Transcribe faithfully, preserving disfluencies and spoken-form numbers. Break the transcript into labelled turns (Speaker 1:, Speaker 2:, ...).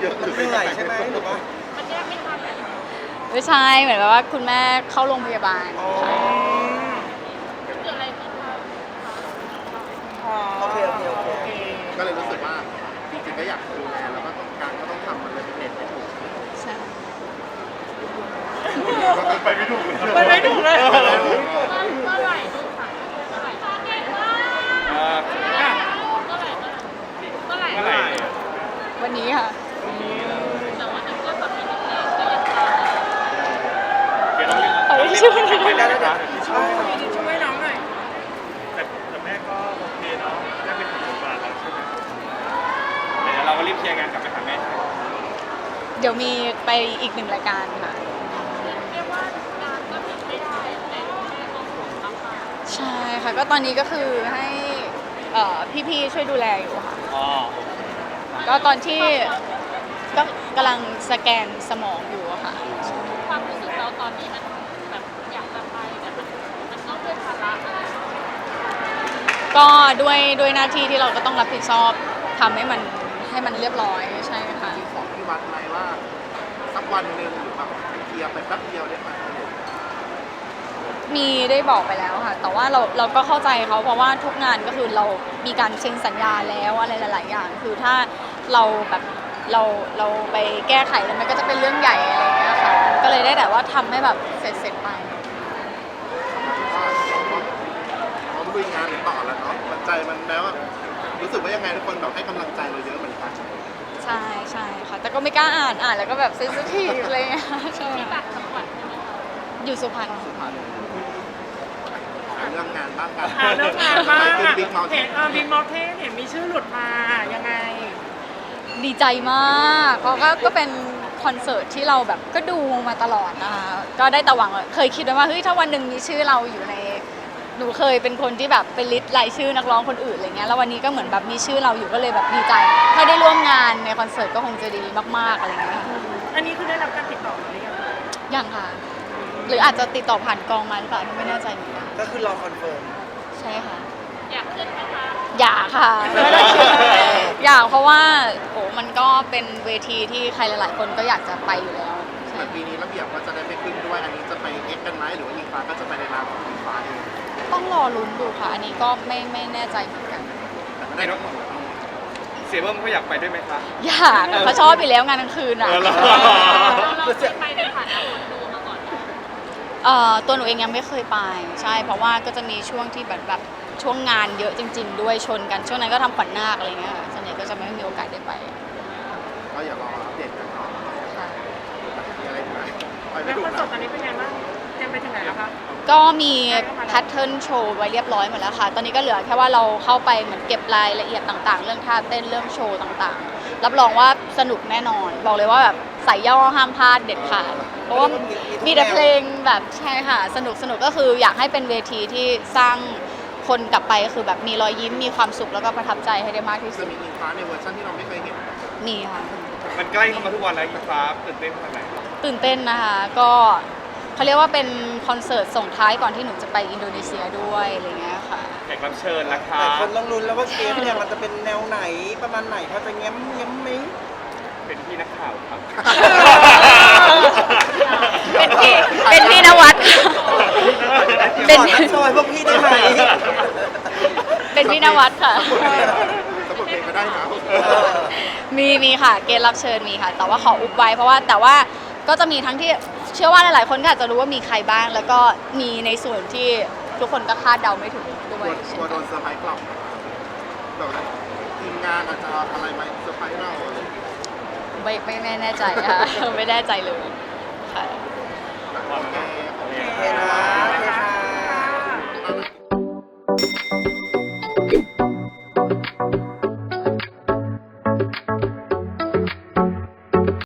Speaker 1: เหนื่อยใช่ไหมหรือว่า
Speaker 2: ไม่ใช่เหมือนแบบว่าคุณแม่เข้าโรงพยาบาลค่ะ
Speaker 1: โอเคโอเคโอเค
Speaker 3: ก็เลยรู้สึกว่าจริงๆก็อยากดูแลแล้วก็ต้องการก็ต้องทำมันเลยเป็นเน็ตไม่ถูก
Speaker 2: ใช่
Speaker 3: ไปไม่ถูก
Speaker 1: ไปไม่ถูกเลย
Speaker 2: วันนี้ค่ะ
Speaker 4: เดี๋ยวเรา
Speaker 2: เอาที่ช่วยหน่อย
Speaker 4: ไปได้แล้วนะ
Speaker 1: ช่วยช่วยน้องหน่อย
Speaker 4: แต่แต่แม่ก็โอเคเนาะได้เป็นถึงบาทแล้วใช่ไหมเดี๋ยวเราก็รีบเคลียร์งานกลับไปหาแม่
Speaker 2: เดี๋ยวมีไปอีกหนึ่งรายการค่ะใช่ค่ะก็ตอนนี้ก็คือให้เอ่อพี่ๆช่วยดูแลอยู่ค่ะ
Speaker 4: อ๋อ
Speaker 2: ก็ตอนที่ก็กำลังสแกนสมองอยู่อะค่ะ
Speaker 5: ความรู้สึกเราตอนนี้มันแบบอยากจะไปแต่มันมันต้องด้วยภาระอะไร
Speaker 2: ก็ด้วยด้วยหน้าที่ที่เราก็ต้องรับผิดชอบทำให้มันให้มันเรียบร้อยใช่ค่ะ
Speaker 3: มีของที่วัดไหมว่าสักวันหนึ่งหรือแบบเคลียร์ไปแป๊บเดียวได้ไหม
Speaker 2: มีได้บอกไปแล้วค่ะ แต่ว่าเราเราก็เข้าใจเขาเพราะว่าทุกงานก็คือเรามีการเซ็นสัญญาแล้วอะไรหลายๆอย่าง คือถ้าเราแบบเราเราไปแก้ไขแล้วมันก็จะเป็นเรื่องใหญ่อะไรอย่างเงี้ยค่ะ ก็เลยได้แต่ว่าทำให้แบบเสร็จเสร็จไป
Speaker 3: ก็พร้อมลุยงานต่อแล้วเนาะมันใจมันแล้วอะรู้สึกว่ายังไงทุกคนแบบให้กำลังใจเราเยอะเหมือนกัน
Speaker 2: ใช่ใช่ค่ะ แต่ก็ไม่กล้าอ่านอ่านแล้วก็แบบเซนซิทีฟอะไรอย่างเงี้ยใช่
Speaker 5: ที่ต่างจังหวัดใช่ไหมคะ
Speaker 2: อยู่สุพรรณ
Speaker 3: สุพรรณหาเรื่องงานบ้างกัน
Speaker 1: หาเรื่องงานบ้าง
Speaker 3: ไปขึ้นบิ๊กเมาส์
Speaker 1: เห็นเออบิ๊กมอเทนเห็นมีชื่อหลุดมายังไง
Speaker 2: ดีใจมากเพราะก็ก็เป็นคอนเสิร์ตที่เราแบบก็ดูมาตลอดนะคะก็ได้แต่หวังเคยคิดไว้ว่าเฮ้ยถ้าวันหนึ่งมีชื่อเราอยู่ในหนูเคยเป็นคนที่แบบเป็นลิสต์รายชื่อนักร้องคนอื่นอะไรเงี้ยแล้ววันนี้ก็เหมือนแบบมีชื่อเราอยู่ก็เลยแบบดีใจ ถ้าได้ร่วมงานในคอนเสิร์ตก็คงจะดีมากๆอะไรเงี้ย
Speaker 1: อันนี้คือได้รับการติดต่อมาหรือยัง
Speaker 2: ยังค่ะ หรืออาจจะติดต่อผ่านกองมาหรือเปล่าไม่แน่ใจเหมือนกัน
Speaker 1: ก็คือรอคอนเฟิร์ม
Speaker 2: ใช่ค่ะ
Speaker 5: อยากขึ้นไหมคะ
Speaker 2: อยากค่ะไม่ได้คิดอยากเพราะว่าโอ้มันก็เป็นเวทีที่ใครหลาย ๆ คนก็อยากจะไปอยู่แล้วใช่
Speaker 3: แต่ปีนี้ระเบียบก็จะได้ไปขึ้นด้วยอันนี้จะไปเอ็กกันไหมหรือว่าอิงฟ้าก็จะไปในนามของอิงฟ้าเอง
Speaker 2: ต้องรอลุ้นดูค่ะ อันนี้ก็ไม่ไม่แน่ใจเหมือนกัน
Speaker 3: แต่ไม่ได้ทั้งหมด
Speaker 4: เสียเบิ้มเขาอยากไปด้วยไหมคะ
Speaker 2: อยากอะเขาชอบไปแล้วงานกลางคืนอ่ะ
Speaker 4: เออเหรอ
Speaker 5: เราเคยไปในฐานะคนดูมาก่อนไหม
Speaker 2: เอ่อตัวหนูเองยังไม่เคยไปใช่ เพราะว่าก็จะมีช่วงที่แบบแบบช่วงงานเยอะจริง ๆ ด้วยชนกันช่วงนั้นก็ทำขวัญนาคอะไรเงี้ยค่ะส่วนใหญ่ก็จะไม่มีโอกาสได้ไป
Speaker 3: ก็อย่ารออัปเดตกันเนาะ
Speaker 2: ค่ะ
Speaker 3: มีอะไรอีกไหมไปไม่
Speaker 1: แล้ว
Speaker 3: ถู
Speaker 1: ค
Speaker 3: ก
Speaker 1: อนเสิร์ตตอนนี้เป็นไงบ้างเตรียมไปถึงไหนแล้วคะ
Speaker 2: ก็มีแพทเทิร์นโชว์ไว้เรียบร้อยหมดแล้วค่ะ ตอนนี้ก็เหลือแค่ว่าเราเข้าไปเหมือนเก็บรายละเอียดต่างๆ เรื่องท่าเต้นเรื่องโชว์ต่างๆ รับรองว่าสนุกแน่นอน บอกเลยว่าแบบใส่ย่อห้ามพลาดเด็ดขาด เพราะว่ามีแต่เพลงแบบใช่ค่ะ สนุกสนุกก็คืออยากให้เป็นเวทีที่สร้างคนกลับไปก็คือแบบมีรอยยิ้มมีความสุขแล้วก็ประทับใจให้ได้มากที่สุ
Speaker 3: จะ
Speaker 2: ด
Speaker 3: มีอิงฟ้าในเวอร์ชันที่เราไม่เคยเห็น
Speaker 2: มีค่ะ
Speaker 4: มันใกล้เข้ามาทุกวันแล้วอิงฟ้าตื่นเต้นขนาดไหน
Speaker 2: ตื่นเต้นนะคะ ก็เขาเรียกว่าเป็นคอนเสิร์ตส่งท้ายก่อนที่หนูจะไปอินโดนีเซียด้วยอะไรเงี้ยค่ะ
Speaker 4: แขกรับเชิญราคา
Speaker 1: แต่คนต้องลุ้นแล้วว่าเกมเนี่ยมันจะเป็นแนวไหนประมาณไหนพอจะเงี้ยมเงี้ยมไหม
Speaker 4: เป็นพี่นักข่าวครับ
Speaker 2: เป็นพี่เป็นพี่นวัดเป็น
Speaker 1: ขอทักซอยพวกพี่ได้ไหม
Speaker 2: เป็นพี่นวัดค่ะ
Speaker 3: สมบูรณ์เพลงก็ได้นะ
Speaker 2: มีมีค่ะ เกณฑ์รับเชิญมีค่ะ แต่ว่าขออุบไว้เพราะว่าแต่ว่าก็จะมีทั้งที่เชื่อว่าหลายๆคนก็อาจจะรู้ว่ามีใครบ้าง แล้วก็มีในส่วนที่ทุกคนก็คาดเดาไม่ถึงด้
Speaker 3: ก
Speaker 2: ว
Speaker 3: ลั
Speaker 2: ยว
Speaker 3: กลัวโดนเซอร์ไพรส์กลับแบบว่าทีมงานอาจจะเอาอะไรมาเซอร์ไพรส์เราอะไรอย่างเงี้ย
Speaker 2: ไม่ไม่ไม่แน่ใจค่ะ ไม่แน่ใจเลยค่ะ